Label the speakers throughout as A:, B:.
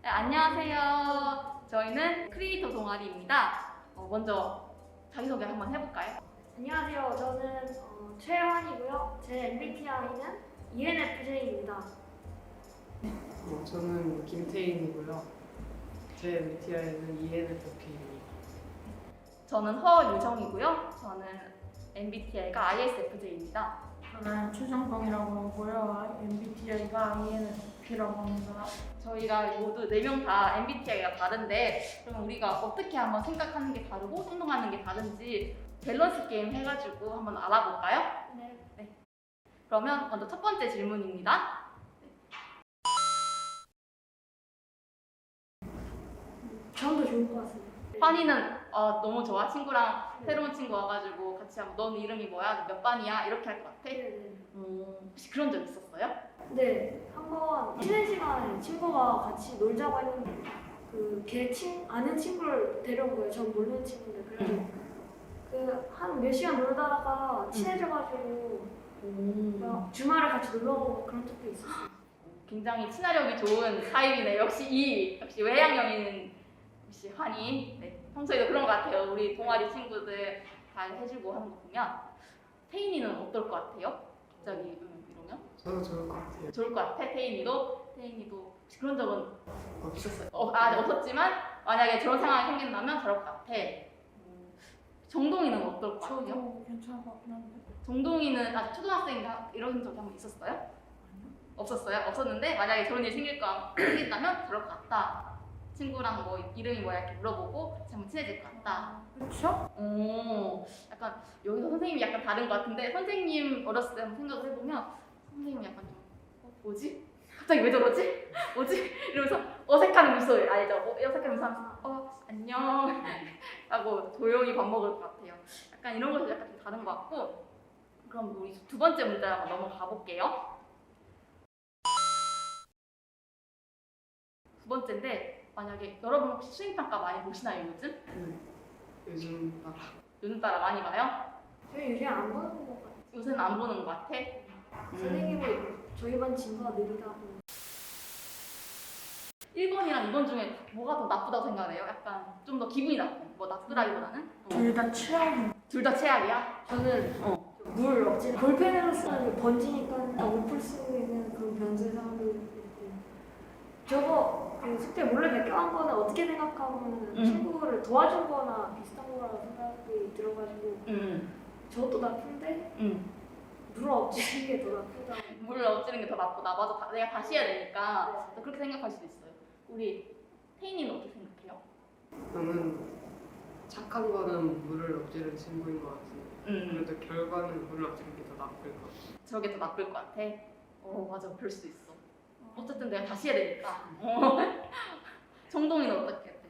A: 네, 안녕하세요. 저희는 크리에이터 동아리입니다. 먼저 자기소개 한번 해볼까요?
B: 안녕하세요. 저는 최환이고요. 제 MBTI는 ENFJ입니다.
C: 저는 김태인이고요. 제 MBTI는 ENFP입니다.
A: 저는 허유정이고요. 저는 MBTI가 ISFJ입니다.
D: 저는 최정광이라고 하고요. MBTI가 INFP라고 합니다.
A: 저희가 모두 4명 다 MBTI가 다른데 그럼 우리가 어떻게 한번 생각하는 게 다르고 행동하는 게 다른지 밸런스 게임 해가지고 한번 알아볼까요?
B: 네.
A: 그러면 먼저 첫 번째 질문입니다.
B: 저도 좋을 것 같습니다.
A: 환희는 너무 좋아. 친구랑 새로운 친구 와가지고 같이 하면 넌 이름이 뭐야? 너 몇 반이야? 이렇게 할 것 같아?
B: 네.
A: 혹시 그런 적 있었어요?
B: 네. 한번 쉬는 시간에 친구가 같이 놀자고 했는데 걔 아는 친구를 데려온 거예요. 전 모르는 친구인데 그래서 한 몇 시간 놀다가 친해져가지고 막 주말에 같이 놀러 가고 그런 적도 있었어요.
A: 굉장히 친화력이 좋은 타입이네. 역시 외향형인 역시 환희. 네, 평소에도 그런 것 같아요. 우리 동아리 친구들 잘 해주고 하는 거 보면. 태인이는 어떨 것 같아요? 갑자기 이러면?
C: 저도 좋을 것 같아요.
A: 좋을 것 같아. 태인이도 혹시 그런 적은
C: 없었어요.
A: 없었지만 만약에 저런 상황이 생긴다면 저럴 것 같아. 정동이는 어떨 것 같아요?
D: 저도 괜찮을 것 같긴 한데.
A: 정동이는 아직 초등학생인가 이런 적이 한번 있었어요?
D: 아니요.
A: 없었어요? 없었는데 만약에 저런 일이 생긴다면 저럴 것 같다. 친구랑 뭐 이름이 뭐야 이렇게 물어보고 같이 한번 친해질 것 같다.
D: 그렇죠?
A: 약간 여기서 선생님이 약간 다른 것 같은데 선생님 어렸을 때 한번 생각을 해보면 선생님은 약간 좀 뭐지? 갑자기 왜 저러지? 뭐지? 이러면서 어색한 미소 알죠? 어색한 미소 하면서 안녕 하고 조용히 밥 먹을 것 같아요. 약간 이런 것도 약간 좀 다른 것 같고 그럼 우리 두 번째 문제 한번 넘어가 볼게요. 두 번째인데 만약에 여러분 혹시 수행평가 많이 보시나요 요즘?
C: 요즘 따라
A: 요즘 따라 많이 봐요?
B: 저희 요즘 안 보는 것 같아요.
A: 요새는 안 보는 것 같아?
B: 선생님이 저희 반 진도가 느리다고.
A: 1번이랑 2번 중에 뭐가 더 나쁘다고 생각해요? 약간 좀 더 기분이 나쁜 뭐 나쁘다기보다는?
D: 둘 다 최악인.
A: 둘 다 최악이야?
B: 저는 물 억지로 볼펜으로 쓰면 번지니까 못 풀 수 있는 그런 변수의 사람도 있고 저거 숙제 몰래 베껴간 거는 어떻게 생각하면 친구를 도와준 거나 비슷한 거라고 생각이 들어가지고 저것도 나쁜데 물 억지르는 게 더 나쁘다.
A: 물을 엎지는 게 더 나쁘다. 맞아. 내가 다시 해야 되니까 또 그렇게 생각할 수도 있어요. 우리 태인이는 어떻게 생각해요?
C: 저는 착한 거는 물을 엎지르는 친구인 것 같은데 그래도 결과는 물을 엎지르는 게 더 나쁠 것 같아요.
A: 저게 더 나쁠 것 같아? 맞아. 그럴 수도 있어. 어쨌든 내가 다시 해야 되니까. 정동이는 어떻게 해?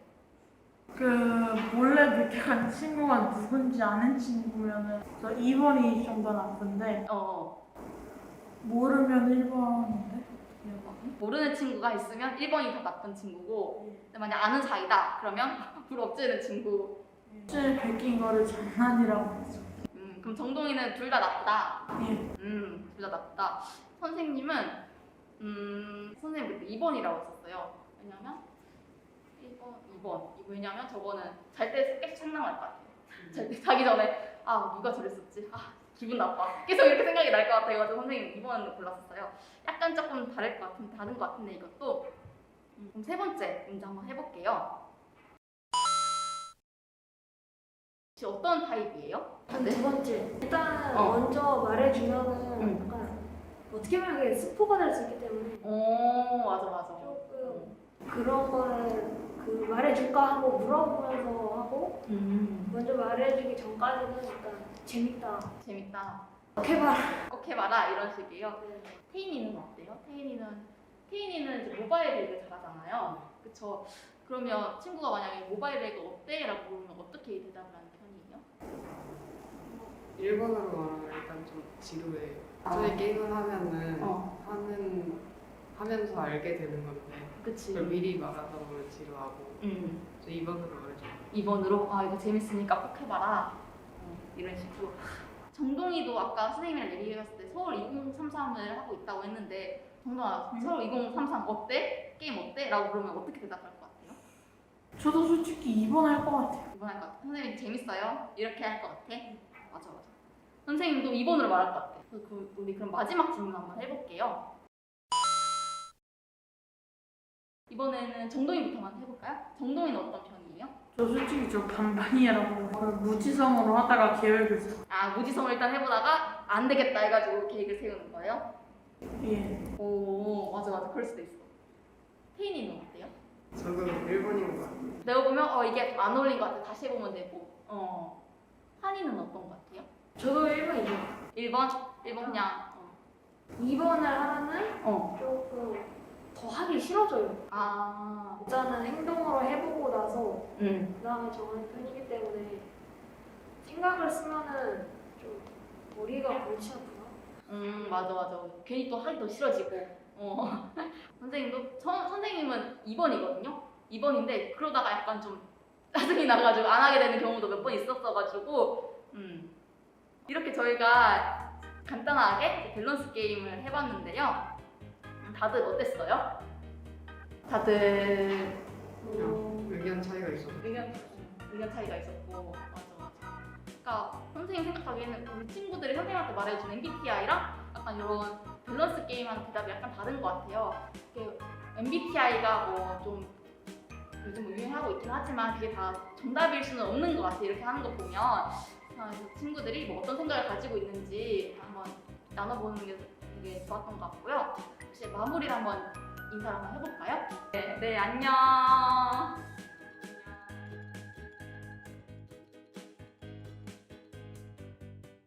D: 몰래 베껴간 친구가 누군지 아는 친구면은 저 2번이 좀 더 나쁜데 모르면 1번인데.
A: 모르는 친구가 있으면 1번이 더 나쁜 친구고 근데 만약 아는 사이다 그러면 불 엎지는 친구.
D: 실제 베낀 거를 장난이라고 했어.
A: 그럼 정동이는 둘 다 나쁘다.
D: 예.
A: 둘 다 나쁘다. 선생님은 선생님 그때 2번이라고 했었어요. 왜냐면 1번, 2번. 왜냐면 저거는 잘 때 계속 생각날 것 같아요. 잘 때 자기 전에 누가 저랬었지? 기분 나빠. 계속 이렇게 생각이 날 것 같아가지고 선생님 2번을 골랐었어요. 약간 조금 다른 것 같은데 이것도. 그럼 세 번째 문제 한번 해볼게요. 혹시 어떤 타입이에요?
B: 전 두 번째. 일단
A: 어.
B: 먼저 말해주면은 약간 어떻게 보면 그게 스포가 될 수 있기 때문에
A: 맞아.
B: 조금 그런 거를 말해줄까 하고 물어보면서 하고 먼저 말해주기 전까지는 약간 재밌다. 꼭 해봐라.
A: 꼭 해봐라 이런 식이에요. 태인이는 어때요? 태인이는 이제 모바일 레이를 잘하잖아요. 그쵸? 그러면 친구가 만약에 모바일 레이가 어때? 라고 물으면 어떻게 대답을 하는 편이에요?
C: 1번으로 말하면 일단 좀 지루해요. 저희 게임을 하면은 하면서 알게 되는 건데
A: 그치.
C: 그걸 미리 말하다 보면 지루하고 저 2번으로 말해줘.
A: 2번으로 이거 재밌으니까 꼭 해봐라. 이런 식으로. 정동이도 아까 선생님이랑 얘기했을 때 서울 2033을 하고 있다고 했는데 정답. 서로 2033 어때? 게임 어때? 라고 물으면 어떻게 대답할 것 같아요?
D: 저도 솔직히 2번 할 것 같아요.
A: 2번 할 것 같아. 선생님 재밌어요? 이렇게 할 것 같아? 맞아. 선생님도 2번으로 말할 것 같아. 우리 그럼 마지막 질문 한번 해볼게요. 이번에는 정동이부터만 해볼까요? 정동이는 어떤 편이에요?
D: 저 솔직히 저 반반이라고 무지성으로 하다가 계획을 세워.
A: 아, 무지성을 일단 해보다가 안 되겠다 해가지고 계획을 세우는 거예요?
D: 예.
A: 오, 맞아. 그럴 수도 있어. 태인이는 어때요?
C: 저도 1번인 것 같아요.
A: 내가 보면 이게 안 어울린 것 같아. 다시 해보면 되고. 한이는 어떤 것 같아요?
B: 저도 1번이죠.
A: 1번? 1번 그냥
B: 2번을 하면은 조금 더 하기 싫어져요.
A: 아,
B: 일단은 행동으로 해보고 나서
A: 음.
B: 그 다음에 정하는 편이기 때문에 생각을 쓰면은 좀 머리가 골치 아프나?
A: 맞아. 괜히 또 하기 더 싫어지고. 선생님도 선생님은 2번이거든요. 2번인데 그러다가 약간 좀 짜증이 나가지고 안 하게 되는 경우도 몇 번 있었어가지고 이렇게 저희가 간단하게 밸런스 게임을 해봤는데요. 다들 어땠어요? 다들
C: 그냥 의견 차이가 있어서
A: 의견 차이가 있었고 맞아. 그러니까 선생님 생각하기에는 우리 친구들이 선생님한테 말해준 MBTI랑 약간 이런 밸런스 게임하는 대답이 약간 다른 것 같아요. MBTI가 뭐 좀 요즘 뭐 유행하고 있긴 하지만 그게 다 정답일 수는 없는 것 같아요. 이렇게 하는 거 보면 친구들이 뭐 어떤 생각을 가지고 있는지 한번 나눠보는 게 되게 좋았던 것 같고요. 혹시 마무리를 한번 인사를 한번 해볼까요? 네, 안녕.